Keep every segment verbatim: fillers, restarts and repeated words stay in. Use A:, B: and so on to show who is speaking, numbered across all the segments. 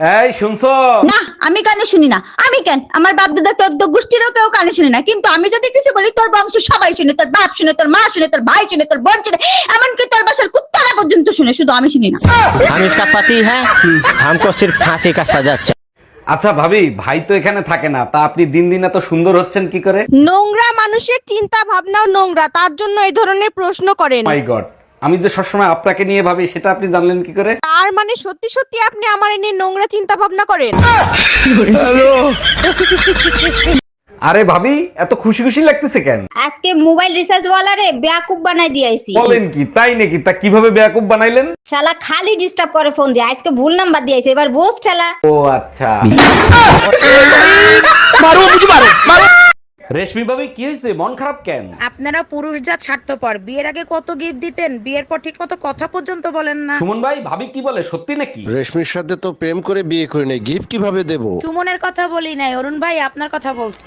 A: এই শুনছো?
B: না, আমি কানে শুনি না। আমি কেন, আমার বাপ দাদা চোদ্দ গোষ্ঠীরও কেউ কানে শুনে না, কিন্তু আমি যদি কিছু বলি তোর বংশ সবাই শুনে, তোর বাপ শুনে, তোর মা শুনে, তোর ভাই শুনে, তোর বোন শুনে, এমনকি তোর বাসার কুত্তারা পর্যন্ত শুনে, শুধু আমি শুনি না।
C: हम इसका पति है, हमको सिर्फ फांसी का सजा चाहिए।
A: আচ্ছা ভাবি, ভাই তো এখানে থাকে না, তা আপনি দিন দিন এত সুন্দর হচ্ছেন কি করে?
D: নোংরা মানুষের চিন্তা ভাবনাও নোংরা, তার জন্য এই ধরনের প্রশ্ন করেন।
A: মাই গড, আমি যে সবসময় আপনাকে নিয়ে ভাবি সেটা আপনি জানলেন কি করে?
D: তার মানে সত্যি সত্যি আপনি আমার নিয়ে নোংরা চিন্তা ভাবনা করেন?
A: আরে ভাবি, এত খুশি খুশি লাগতেছে কেন?
B: আজকে মোবাইল রিচার্জ ওয়ালারে বেয়াকুব বানাই দিয়েছি।
A: বলেন কি, তাই নাকি? তা কিভাবে বেয়াকুব বানাইলেন?
B: শালা খালি ডিস্টার্ব করে ফোন দিয়ে, আজকে ভুল নাম্বার দিয়েছে, এবার বোস ঠেলা।
A: ও আচ্ছা। রেশমি ভাবি, কি হয়েছে? মন খারাপ কেন?
E: আপনারা পুরুষ জাত স্বার্থপর। বিয়ের আগে কত গিফট দিতেন, বিয়ের পর ঠিক মতো কথা পর্যন্ত বলেন না।
A: সুমন ভাই, ভাবি কি বলে, সত্যি নাকি?
F: রেশমির সাথে তো প্রেম করে বিয়ে করে নেই, গিফট কিভাবে দেব?
E: সুমনের কথা বলি নাই, অরুণ ভাই আপনার কথা বলছি।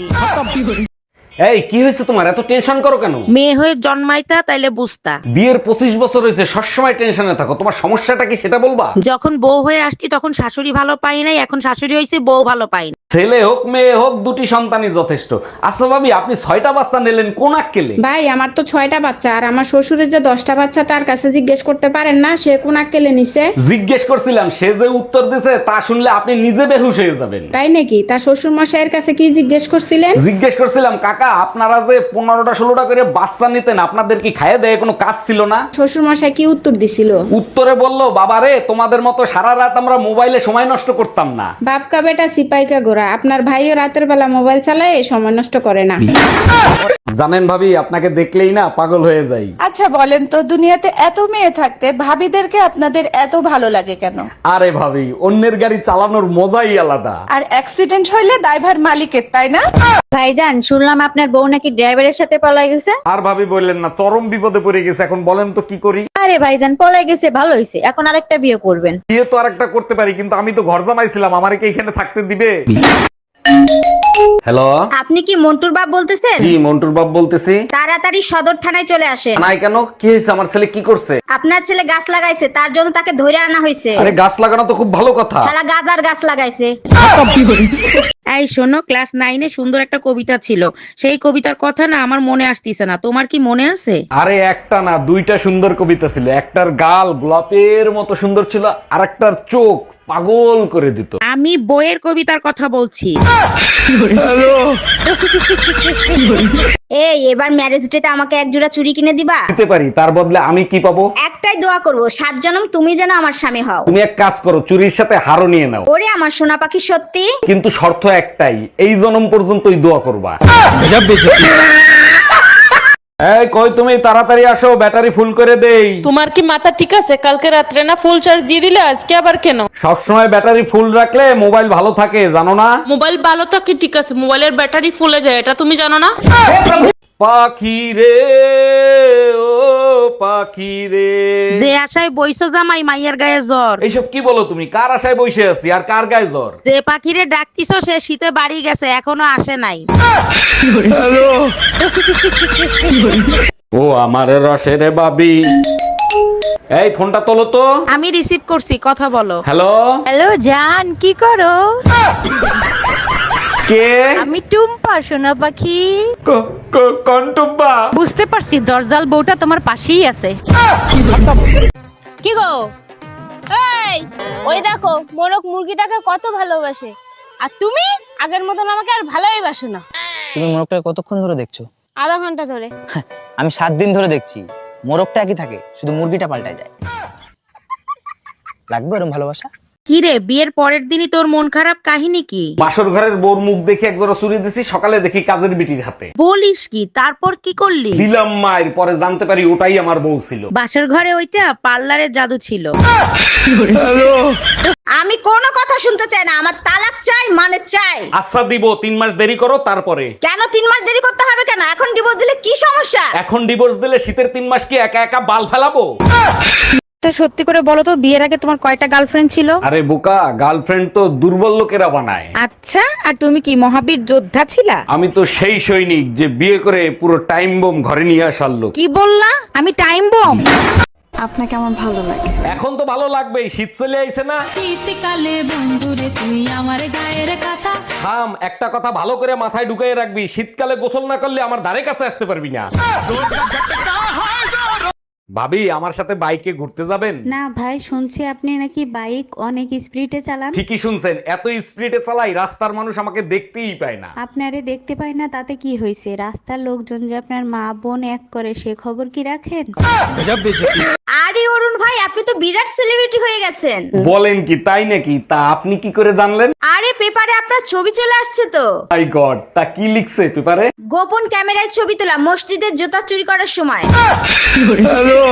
A: এই কি হয়েছে তোমার? এত টেনশন করো কেন?
E: মেয়ে হয়ে জন্মাইতা তাইলে বুঝতা।
A: বিয়ের পঁচিশ বছর হয়েছে, সবসময় টেনশনে থাকো, তোমার সমস্যাটা কি সেটা বলবা?
E: যখন বউ হয়ে আসছি তখন শাশুড়ি ভালো পাই নাই, এখন শাশুড়ি হয়েছে বউ ভালো পাই না।
A: ছেলে হোক মেয়ে হোক, দুটি সন্তানই যথেষ্ট। আচ্ছা ভাবি, আপনি ছয়টা বাচ্চা নিলেন, কোন আক্কেলে?
G: ভাই আমার তো ছয়টা বাচ্চা, আর আমার শ্বশুরের যে দশটা বাচ্চা তার কাছে জিজ্ঞেস করতে পারেন না সে কোন আক্কেলে নিছে?
A: জিজ্ঞেস করছিলাম, সে যে উত্তর দিছে তা শুনলে আপনি নিজে বেহুশ হয়ে যাবেন।
G: তাই নাকি? তার শ্বশুর মশাইয়ের কাছে কি জিজ্ঞেস করছিলেন?
A: জিজ্ঞেস করছিলাম, কাকা আপনারা যে পনেরোটা ষোলোটা করে বাচ্চা নিতেন, আপনাদের কি খাইয়ে দেয় কোনো কাজ ছিল না?
G: শ্বশুর মশাই কি উত্তর দিছিল?
A: উত্তরে বললো, বাবা রে, তোমাদের মতো সারা রাত আমরা মোবাইলে সময় নষ্ট করতাম না।
G: বাপকা বেটা সিপাইকা গোরা, আপনার ভাইও রাতের বেলা মোবাইল চালায় সময় নষ্ট করে না।
A: জানেন ভাবি, আপনাকে দেখলেই না পাগল হয়ে যাই।
H: আচ্ছা বলেন তো, দুনিয়াতে এত মেয়ে থাকতে ভাবিদেরকে আপনাদের এত ভালো লাগে কেন?
A: আরে ভাবি, অন্যের গাড়ি চালানোর মজাই আলাদা।
H: আর অ্যাক্সিডেন্ট হইলে দায়ভার মালিকের, তাই না?
B: ভাইজান, শুনলাম আপনার বউ নাকি ড্রাইভারের সাথে পলাই গেছে।
A: আর ভাবি বললেন না, চরম বিপদে পড়ে গেছে, এখন বলেন তো কি করি?
B: আরে ভাইজান, পলাই গেছে ভালো হয়েছে, এখন আরেকটা বিয়ে করবেন।
A: বিয়ে তো আরেকটা করতে পারি, কিন্তু আমি তো ঘর জামাইছিলাম, আমারে কি এখানে থাকতে দিবে? হ্যালো,
B: আপনি কি মন্টুর বাপ বলতেছেন?
A: জি মন্টুর বাপ বলতেছি।
B: তাড়াতাড়ি সদর থানায় চলে আসেন।
A: নাই কেন, কি হয়েছে? আমার ছেলে কি করছে?
B: আপনার ছেলে গাছ লাগাইছে, তার জন্য তাকে ধরে আনা হয়েছে।
A: আরে গাছ লাগানো তো খুব ভালো কথা।
B: শালা গাজার গাছ লাগাইছে।
E: এই শোনো, ক্লাস নাইনে সুন্দর একটা কবিতা ছিল, সেই কবিতার কথা না আমার মনে আসতিছে না, তোমার কি মনে আছে?
A: আরে একটা না, দুইটা সুন্দর কবিতা ছিল। একটার গাল গোলাপের মতো সুন্দর ছিল, আর একটার চোখ পাগল করে দিত।
E: আমি বইয়ের কবিতার কথা বলছি।
B: এই এবার ম্যারেজ ডেতে আমাকে এক জোড়া চুড়ি কিনে দিবা?
A: দিতে পারি, তার বদলে আমি কি পাবো?
B: একটাই দোয়া করব, সাত জনম তুমি যেন আমার স্বামী হও।
A: তুমি এক কাজ করো, চুরির সাথে হারও নিয়ে নাও।
B: ওরে আমার সোনা পাখি, সত্যি?
A: কিন্তু শর্ত একটাই, এই জনম পর্যন্তই দোয়া করবা। এই কই তুমি, তাড়াতাড়ি আসো, ব্যাটারি ফুল করে দেই।
I: তোমার কি মাথা ঠিক আছে? কালকে রাত্রে না ফুল চার্জ দিয়ে দিলে, আজকে আবার কেন?
A: সবসময় ব্যাটারি ফুল রাখলে মোবাইল ভালো থাকে, জানো না?
I: মোবাইল ভালো থাকে ঠিক আছে, মোবাইলের ব্যাটারি ফুলে যায়, এটা তুমি জানো না?
A: পাখি রে ও পাখি রে,
E: যে আশায় বইছো জামাই, মাইয়ার গায়ে জ্বর।
A: এইসব কি বলো তুমি? কার আশায় বসে আছি আর কার গায়ে জ্বর?
E: যে পাখিরে ডাকতিছো সে শীতে বাড়ি গেছে, এখনো আসে নাই।
A: ও আমার রসের বাবি, এই ফোনটা তোলো তো।
E: আমি রিসিভ করছি, কথা বলো।
A: হ্যালো
E: হ্যালো জান, কি করো?
A: কে?
E: আমি টুম্পা, সোনা পাখি।
A: ক- ক- কন্টুব্বা।
E: বুঝতে পারছি, দরজাল বউটা তোমার পাশেই আছে।
J: কি গো, এই ওই দেখো মোরক মুরগিটাকে কত ভালোবাসে, আর তুমি আগের মতন আমাকে আর ভালোই বাসো না।
C: তুমি মোরগটা কতক্ষণ ধরে দেখছো?
J: আধা ঘন্টা ধরে।
C: আমি সাত দিন ধরে দেখছি, মোরগটা একই থাকে, শুধু মুরগিটা পাল্টায় যায়। লাগবে এরকম ভালোবাসা?
E: কি রে, বিয়ের পরের দিনই তোর মন খারাপ, কাহিনী কি?
A: বাসর ঘরের বোর মুখ দেখে একজোড়া চুরি দিছি, সকালে দেখি কাজের বিটির হাতে।
E: বলিস কি? তারপর কি করলি?
A: দিলাম মায়ের, পরে জানতে পারি ওটাই আমার বউ ছিল।
E: বাসর ঘরে ওইটা পার্লারের জাদু ছিল।
B: আমি কোনো কথা শুনতে চাই না, আমার তালাক চাই, মানে চাই।
A: আচ্ছা দিব, তিন মাস দেরি করো তারপরে।
B: কেন তিন মাস দেরি করতে হবে কেন? এখন ডিভোর্স দিলে কি সমস্যা?
A: এখন ডিভোর্স দিলে শীতের তিন মাস কি একা একা বাল ফেলাবো?
E: সত্যি করে বলো তো, বিয়ের আগে তোমার কয়টা গার্লফ্রেন্ড ছিল?
A: আরে বোকা, গার্লফ্রেন্ড তো দুর্বল লোকেরা বানায়।
E: আচ্ছা, আর তুমি কি মহাবীর যোদ্ধা ছিলা?
A: আমি তো সেই সৈনিক যে বিয়ে করে পুরো টাইম বোম ঘরে নিয়ে আসার লোক।
E: কি বললা? আমি টাইম বম?
H: আপনাকে আমার ভালো লাগে।
A: এখন তো ভালো লাগবেই, শীত চলে আইছে না।
H: শীতকালে বন্ধুরে তুই আমার গায়ের কথা।
A: থাম, একটা কথা ভালো করে মাথায় ঢুকিয়ে রাখবি, শীতকালে গোসল না করলে আমার ধারে কাছে আসতে পারবি না। ভাবি, আমার সাথে বাইকে ঘুরতে যাবেন?
E: না ভাই, শুনছি আপনি নাকি বাইক অনেক স্পিডে চালান।
A: ঠিকই শুনছেন, এত স্পিডে চালাই রাস্তার মানুষ আমাকে দেখতেই পায় না।
E: আপনারে দেখতে পাই না তাতে কি হয়েছে? রাস্তার লোকজন যে আপনার মা বোন এক করে সে খবর কি রাখেন?
B: আরে অরুণ ভাই, আপনি তো বিরাট সেলিব্রিটি হয়ে গেছেন।
A: বলেন কি, তাই নাকি? তা আপনি কি করে জানলেন?
B: আরে পেপারে আপনার ছবি চলে আসছে তো।
A: মাই গড, তা কি লিখছে পেপারে?
B: গোপন ক্যামেরায় ছবি তোলা মসজিদের জুতা চুরি করার সময়।